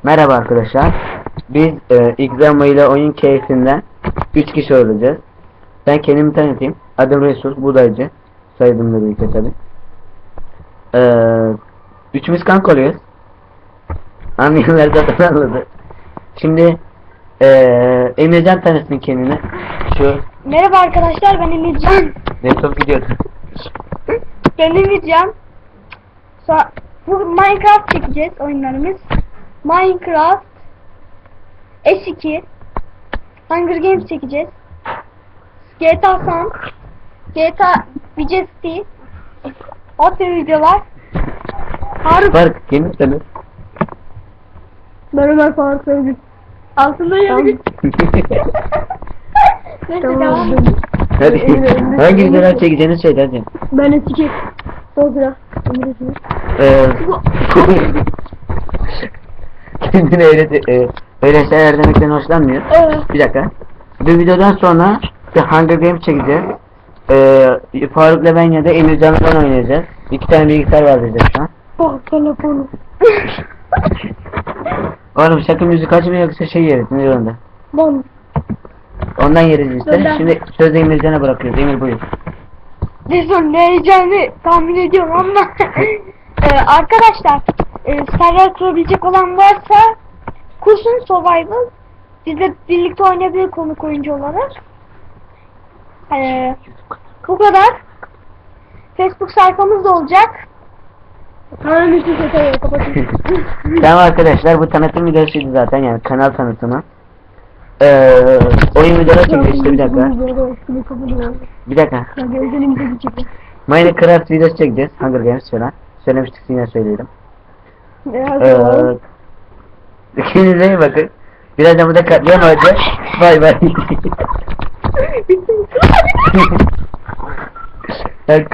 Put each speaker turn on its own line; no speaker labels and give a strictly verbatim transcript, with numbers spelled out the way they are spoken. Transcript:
Merhaba arkadaşlar. Biz e, Xama ile oyun keyfinden üç kişi olacağız. Ben kendimi tanıtayım. Adım Resul Budaycı. Soyadımla birlikte tabi. Ee, üçümüz kanka oluyoruz. Anlayanlar zaten anladı. Şimdi e, Emircan tanısın kendini. Şu
Merhaba arkadaşlar, ben Emircan.
laptop gidiyordu.
Ben Emircan. So- Bu Minecraft çekeceğiz oyunlarımız. Minecraft S iki Hunger Games çekeceğiz. G T A San G T A Vice City. O tür videolar. Faruk.
Fark kendini tanı.
Merhaba Faruk Sevgili. Altında yazıyor. Neyse devam.
Hadi hangi videolar çekeceğini söyle hadi.
Ben S iki Fotoğraf.
Ee, kendini öyle e, öyle şeyler demekten hoşlanmıyor.
Evet.
Bir dakika. Bu videodan sonra bir Hunger Games çekeceğiz. Ee, Faruk'la ben ya da Emircan'la oynayacağız. İki tane bilgisayar var bizde şu an.
Bak telefonu.
Oğlum sakın müzik açma yoksa şey yeriz ne yolunda.
Bon.
Ondan yeriz işte.
Neden?
Şimdi sözü Emircan'a bırakıyoruz. Emir buyur.
Ne son ne heyecanı tahmin ediyorum ama ee, arkadaşlar e, server kurabilecek olan varsa kursun Survival, bizle birlikte oynayabilir konuk oyuncu olarak. Ee, bu kadar. Facebook sayfamız da olacak. Tamam işte kapatayım.
Tamam arkadaşlar, bu tanıtım videosuydu zaten, yani kanal tanıtımı. Ee, oyun videoları çekiyor işte, bir dakika. Bir dakika. Minecraft videosu çekeceğiz. Hunger Games falan. Söylemiştik, yine söyleyelim. Ee, kendinize iyi bakın. Birazdan burada katliam olacak. Bay bay.